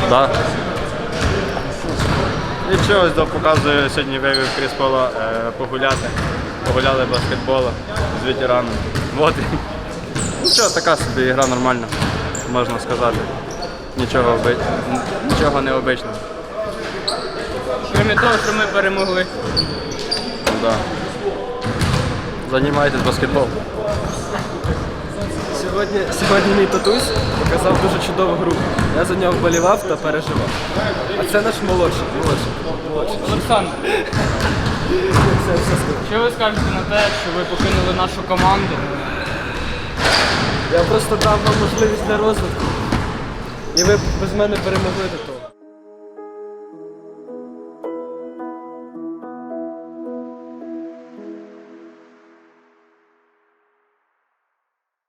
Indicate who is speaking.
Speaker 1: Так. Нічого, показую, сьогодні вивів Кріс Пола погуляти. Погуляли баскетболу з ветераном. Вот. Нічого, така собі гра нормальна, можна сказати. Нічого необичного.
Speaker 2: Крім того, що ми перемогли.
Speaker 1: Да. Займайтесь баскетболом.
Speaker 3: Сьогодні мій татусь показав дуже чудову гру. Я за нього вболівав та переживав. А це наш молодший.
Speaker 2: Олександр, що ви скажете на те, що ви покинули нашу команду?
Speaker 3: Я просто дав вам можливість для розвитку. І ви без мене перемогли до того.